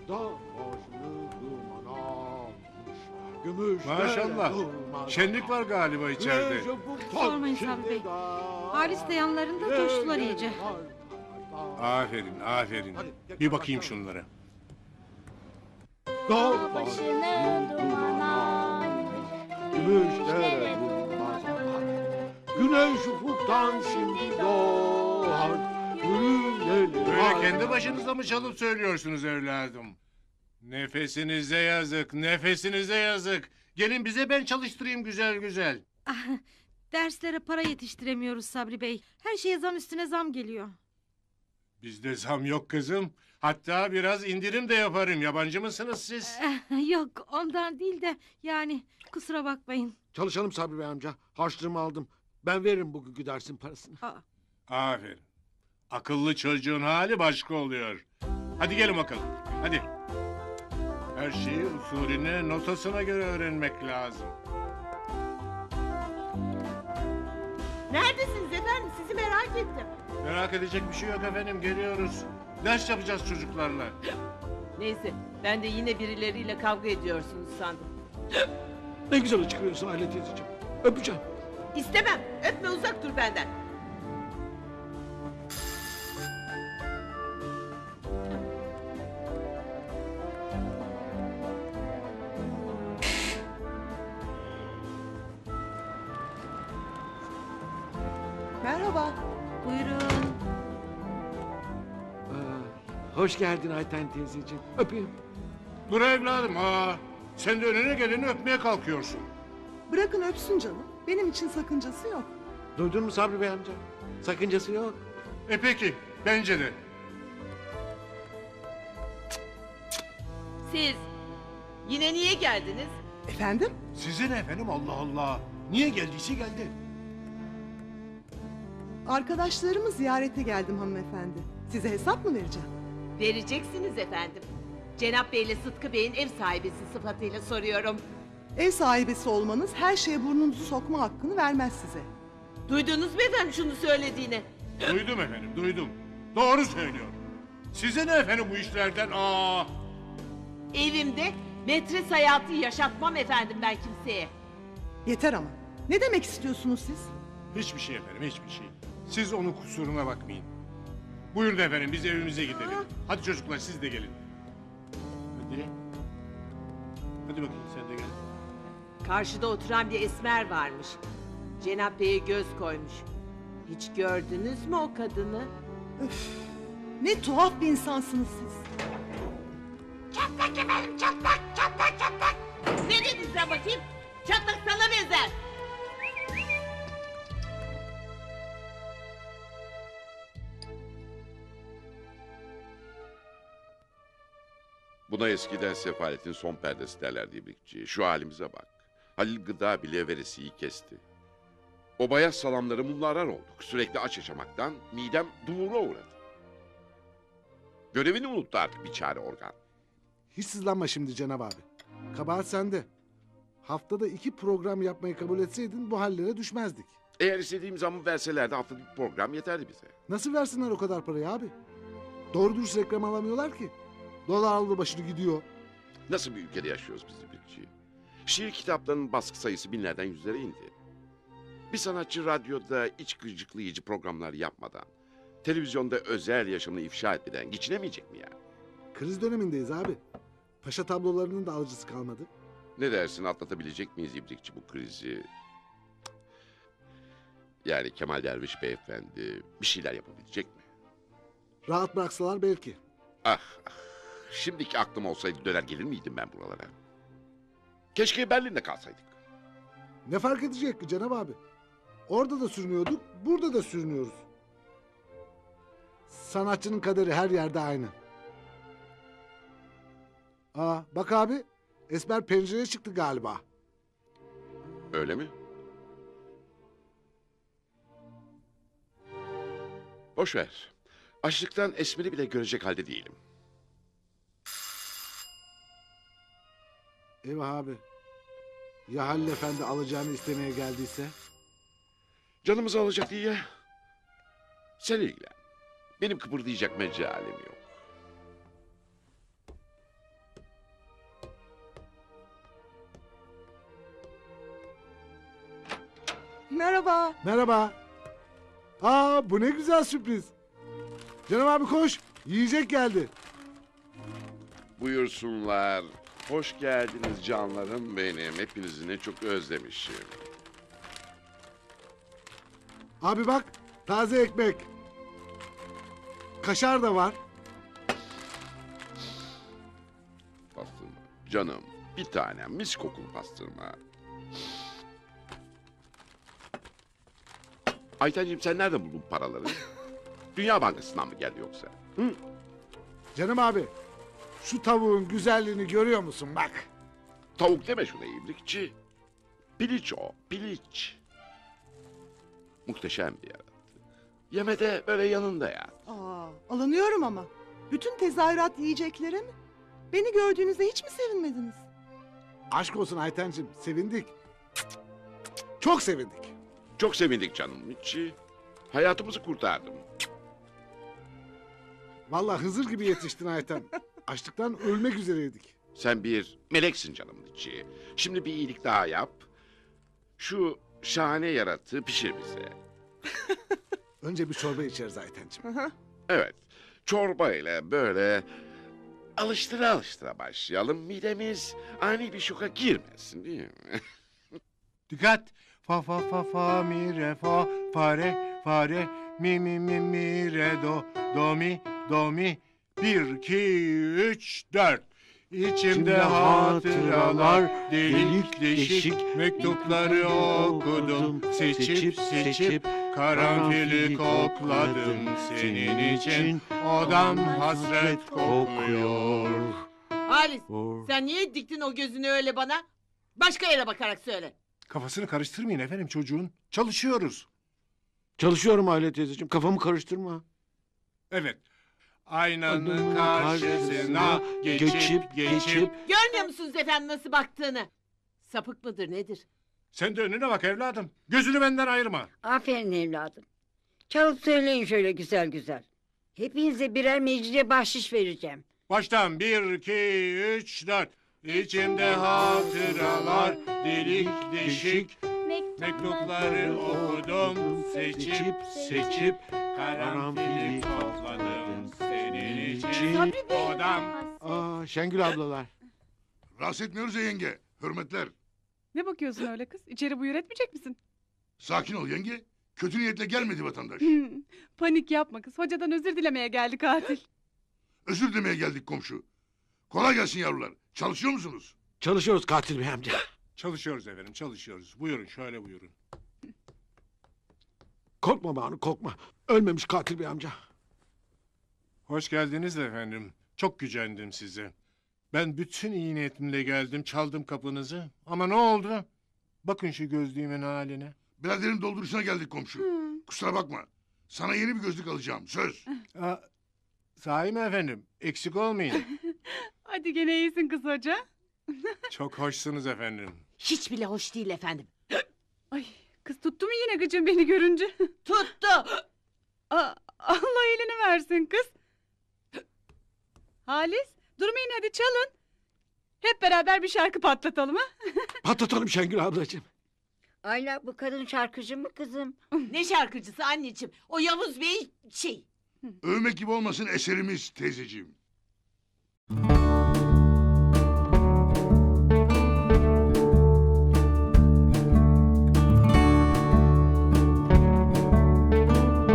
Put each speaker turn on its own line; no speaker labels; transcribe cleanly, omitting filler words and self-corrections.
Dağ başını duman almış. Gümüş
Maşallah. Şenlik var galiba içeride.
Sormayın Sabri Bey. Halis de yanlarında coştular iyice.
Aferin, aferin. Bir bakayım şunlara.
Dağ
başını duman almış.
gümüşlere durmaz akar. Güneş ufuktan şimdi doğar.
Böyle kendi başınıza mı çalıp söylüyorsunuz evladım? Nefesinize yazık, nefesinize yazık. Gelin bize ben çalıştırayım güzel güzel.
Ah, derslere para yetiştiremiyoruz Sabri Bey. Her şeye zam üstüne zam geliyor.
Bizde zam yok kızım. Hatta biraz indirim de yaparım. Yabancı mısınız siz?
Yok ondan değil de yani kusura bakmayın.
Çalışalım Sabri Bey amca. Harçlığımı aldım. Ben veririm bugünkü dersin parasını.
Aferin. Akıllı çocuğun hali başka oluyor. Hadi gelin bakalım. Hadi. Her şeyi usulüne, notasına göre öğrenmek lazım.
Neredesiniz efendim? Sizi merak ettim.
Merak edecek bir şey yok efendim. Geliyoruz. Ders yapacağız çocuklarla.
Neyse, ben de yine birileriyle kavga ediyorsunuz sandım.
Ne güzel çıkıyorsun Aile teyzeciğim. Öpeceğim.
İstemem, öpme uzak dur benden.
Merhaba.
Buyurun.
Hoş geldin Ayten teyzeciğim. Öpeyim.
Dur evladım. Sen de önüne geleni öpmeye kalkıyorsun.
Bırakın öpsün canım. Benim için sakıncası yok.
Duydun mu Sabri Bey amca? Sakıncası yok.
Peki. Bence de.
Siz, yine niye geldiniz?
Efendim?
Sizin efendim Allah Allah. Niye geldiyse geldi.
Arkadaşlarımı ziyarete geldim hanımefendi. Size hesap mı vereceğim?
Vereceksiniz efendim. Cenap Bey ile Sıtkı Bey'in ev sahibesi sıfatıyla soruyorum.
Ev sahibesi olmanız her şeye burnunuzu sokma hakkını vermez size.
Duydunuz mu efendim şunu söylediğini?
Duydum efendim, duydum. Doğru söylüyor. Size ne efendim bu işlerden?
Evimde metres hayatı yaşatmam efendim ben kimseye.
Yeter ama. Ne demek istiyorsunuz siz?
Hiçbir şey efendim, hiçbir şey. Siz onun kusuruna bakmayın. Buyurun efendim, biz evimize gidelim. Hadi çocuklar, siz de gelin. Hadi. Hadi bakayım, sen de gel.
Karşıda oturan bir esmer varmış. Cenap Bey'e göz koymuş. Hiç gördünüz mü o kadını?
Ne tuhaf bir insansınız siz.
Ne dedin sen bakayım? Çatlak sana benzer.
Buna eskiden sefaletin son perdesi derlerdi İbrikçi. Şu halimize bak. Halil Gıda bile veresiyi kesti. O bayaz salamları mumlarar olduk. Sürekli aç yaşamaktan midem dumura uğradı. Görevini unuttu artık bir çare organ.
Hiç sızlanma şimdi Cenab abi. Kabahat sende. Haftada 2 program yapmayı kabul etseydin bu hallere düşmezdik.
Eğer istediğim zamı verselerdi haftada bir program yeterdi bize.
Nasıl versinler o kadar parayı abi? Doğru dürüst reklam alamıyorlar ki. Dolar aldı başını gidiyor.
Nasıl bir ülkede yaşıyoruz biz İbrikçi? Şiir kitaplarının baskı sayısı binlerden yüzlere indi. Bir sanatçı radyoda iç gıcıklayıcı programlar yapmadan, televizyonda özel yaşamını ifşa etmeden geçinemeyecek mi yani?
Kriz dönemindeyiz abi. Paşa tablolarının da alıcısı kalmadı.
Ne dersin, atlatabilecek miyiz İbrikçi bu krizi? Yani Kemal Derviş beyefendi bir şeyler yapabilecek mi?
Rahat bıraksalar belki.
Ah, şimdiki aklım olsaydı döner gelir miydim ben buralara? Keşke Berlin'de kalsaydık.
Ne fark edecek ki Cenab abi? Orada da sürünüyorduk, burada da sürünüyoruz. Sanatçının kaderi her yerde aynı. Bak abi, Esmer pencereye çıktı galiba.
Öyle mi? Boş ver. Açlıktan Esmer'i bile görecek halde değilim.
Eyvah abi. Ya Halil Efendi alacağını istemeye geldiyse?
Canımızı alacak diye. Sen ilgilen. Benim kıpırdayacak mecalim yok.
Merhaba.
Merhaba. Aa, bu ne güzel sürpriz. Cenab abi koş. Yiyecek geldi.
Buyursunlar. Hoş geldiniz canlarım benim. Hepinizi ne çok özlemişim.
Abi bak, taze ekmek. Kaşar da var.
Pastırma. Canım, bir tane mis kokulu pastırma. Aytenciğim sen nereden buldun paraları? Dünya Bankası'ndan mı geldi yoksa? Hı?
Canım abi, şu tavuğun güzelliğini görüyor musun bak.
Tavuk deme şuna iyilikçi. Piliç o, piliç. Muhteşem bir yarattı. Yemede böyle yanında ya.
Aa, alınıyorum ama. Bütün tezahürat yiyeceklere mi? Beni gördüğünüzde hiç mi sevinmediniz?
Aşk olsun Aytenciğim, sevindik. Çok sevindik.
Çok sevindik canım içi. Hayatımızı kurtardım.
Vallahi Hızır gibi yetiştin Ayten. Açlıktan ölmek üzereydik.
Sen bir meleksin canım içi. Şimdi bir iyilik daha yap. Şu şahane yaratığı pişir bize.
Önce bir çorba içeriz Aytenciğim.
Evet. Çorba ile böyle alıştıra alıştıra başlayalım. Midemiz ani bir şoka girmesin değil mi?
Dikkat. Fa fa fa fa mi re fa fare fare mi mi mi mi re do mi 1 2 3 4 İçimde hatıralar delik deşik mektupları okudum seçip seçip karanfili kokladım senin için odam hasret kokuyor.
Halis sen niye diktin o gözünü öyle bana? Başka yere bakarak söyle.
Kafasını karıştırmayın efendim çocuğun. Çalışıyoruz.
Çalışıyorum Aile teyzeciğim. Kafamı karıştırma.
Evet. Aynanın karşısına geçip
Görmüyor musunuz efendim nasıl baktığını? Sapık mıdır nedir?
sen de önüne bak evladım. Gözünü benden ayırma.
Aferin evladım. Çalıp söyleyin şöyle güzel güzel. Hepinize birer mecliye bahşiş vereceğim.
Baştan 1 2 3 4 İçimde hatıralar delik deşik mektupları okudum seçip seçip karanfili topladım senin için odam.
Aa, Şengül ablalar.
Rahatsız etmiyoruz ya yenge. Hürmetler.
Ne bakıyorsun öyle kız? İçeri buyur etmeyecek misin?
Sakin ol yenge. Kötü niyetle gelmedi vatandaş.
Panik yapma kız. Hocadan özür dilemeye geldi katil.
Özür dilemeye geldik komşu. Kolay gelsin yavrular. Çalışıyor musunuz?
Çalışıyoruz katil bey amca.
Çalışıyoruz efendim çalışıyoruz. Buyurun şöyle buyurun.
Korkma Banu korkma. Ölmemiş katil bey amca.
Hoş geldiniz efendim. Çok gücendim size. Ben bütün iyi niyetimle geldim çaldım kapınızı. Ama ne oldu? Bakın şu gözlüğümün haline.
Biraderin dolduruşuna geldik komşu. Kusura bakma. Sana yeni bir gözlük alacağım. Söz.
Aa, sahi mi efendim? Eksik olmayın.
Hadi gene iyisin kız hoca.
Çok hoşsunuz efendim.
Hiç bile hoş değil efendim.
Ay kız tuttu mu yine gıcın beni görünce?
Tuttu.
Allah elini versin kız. Halis durmayın hadi çalın. Hep beraber bir şarkı patlatalım ha.
Patlatalım Şengül ablacığım.
Ayla bu kadın şarkıcı mı kızım?
Ne şarkıcısı anneciğim? O Yavuz Bey
Övmek gibi olmasın eserimiz teyzeciğim.